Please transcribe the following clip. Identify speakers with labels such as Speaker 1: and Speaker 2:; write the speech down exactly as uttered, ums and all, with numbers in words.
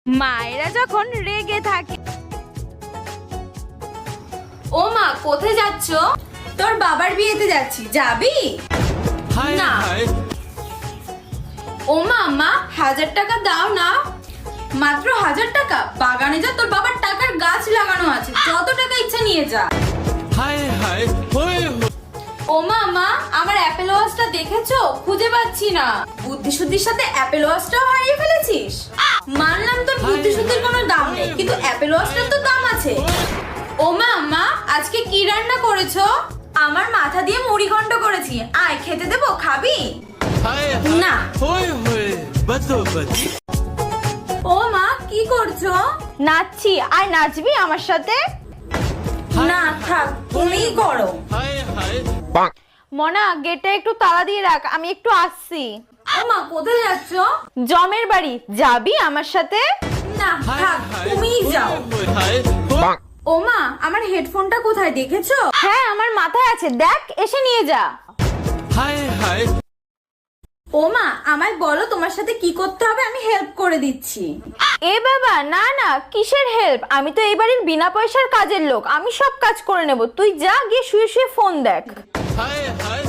Speaker 1: মায়েরা যখন রেগে থাকে।
Speaker 2: ও মা, কোথায় যাচ্ছ?
Speaker 1: তোর বাবার বিয়েতে যাচ্ছি, যাবি?
Speaker 2: না। ও মা, মা হাজার টাকা দাও না।
Speaker 1: মাত্র হাজার টাকা? বাগানে যা, তোর বাবার টাকার গাছ লাগানো আছে, যত টাকা ইচ্ছা নিয়ে যা।
Speaker 2: ও মা, মা আমার অ্যাপেল ওয়াচটা দেখেছো? খুঁজে পাচ্ছি না।
Speaker 1: বুদ্ধি শুদ্ধির সাথে অ্যাপেল ওয়াচটাও হারিয়ে ফেলেছিস? মানলাম তোর বুদ্ধি শুদ্ধির কোনো দাম নেই, কিন্তু অ্যাপেল ওয়াচটার তো দাম আছে।
Speaker 2: ও মা, মা আজকে কি রান্না করেছো?
Speaker 1: আমার মাথা দিয়ে মুড়ি ঘন্ট করেছি, আয় খেতে দেবো, খাবি? না। ও মা, কি করছো?
Speaker 3: নাচছি, আর নাচবি আমার সাথে?
Speaker 1: না থাক, তুমিই করো।
Speaker 3: মনা, গেটটা একটু তালা দিয়ে রাখ, আমি একটু আসছি।
Speaker 1: ও মা, কোথায় যাচ্ছ?
Speaker 3: জমের বাড়ি, যাবি আমার সাথে?
Speaker 1: না থাক, তুমিই যাও। ও মা, আমার হেডফোনটা কোথায় দেখেছো?
Speaker 3: হ্যাঁ, আমার মাথায় আছে, দেখ, এসে নিয়ে যা।
Speaker 1: ও মা, আমায় বলো তোমার সাথে কি করতে হবে, আমি হেল্প করে দিচ্ছি।
Speaker 3: এ বাবা, না না, কিসের হেল্প? আমি তো এই বাড়ির বিনা পয়সার কাজের লোক, আমি সব কাজ করে নেব। তুই যা, গিয়ে শুয়ে শুয়ে ফোন দেখ।